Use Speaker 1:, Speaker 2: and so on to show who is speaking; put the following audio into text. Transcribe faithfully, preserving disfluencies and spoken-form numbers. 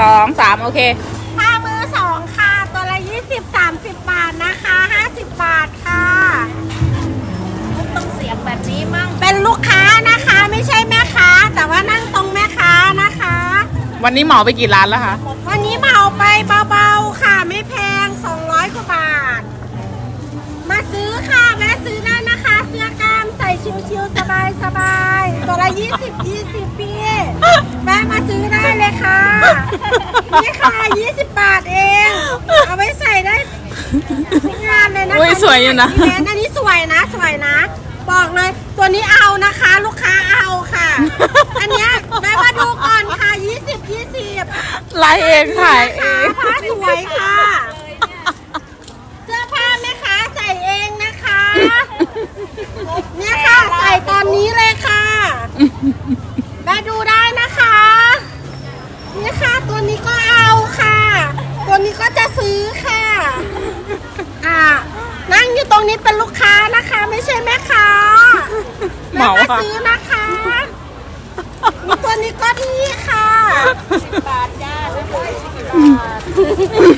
Speaker 1: สองสามโอเค
Speaker 2: ผ้ามือสองค่ะตัวละยี่สิบสามสิบบาทนะคะห้าสิบบาทค่ะต้องเสียงแบบนี้มั่งเป็นลูกค้านะคะไม่ใช่แม่ค้าแต่ว่านั่งตรงแม่ค้านะคะ
Speaker 1: วันนี้เหมาไปกี่ร้านแล้วคะ
Speaker 2: วันนี้เหมาไปเบาๆค่ะไม่แพงสองร้อยกว่าบาทมาซื้อค่ะแม่ซื้อได้นะคะเสื้อกล้ามใส่ชิวๆสบายๆตัวละยี่สิบยี่สิบพี่แม่มาซื้อได้เลยค่ะนี่ค่ะยี่สิบบาทเองเอาไว้ใส่ได้ทุกงานเลยนะคะ
Speaker 1: อุ้ยสวยอยู่นะ
Speaker 2: อันนี้สวยนะสวยนะบอกเลยตัวนี้เอานะคะลูกค้าเอาค่ะอันเนี้ยแม่มาดูก่อนค่ะยี่สิบยี่สิบ
Speaker 1: ไลฟ์เองขายเอง
Speaker 2: ผ้าสวยค่ะเสื้อผ้าแม่ค้าใส่เองนะคะเนี่ยค่ะใส่ตอนนี้เลยค่ะแม่ดูได้นะคะเนี่ยค่ะตัวนี้ก็เอาค่ะตัวนี้ก็จะซื้อค่ะอ่านั่งอยู่ตรงนี้เป็นลูกค้านะคะไม่ใช่แม่ค้าแม่มาซื้อนะคะมีตัวนี้ก็ที่ค่ะบาทจ้า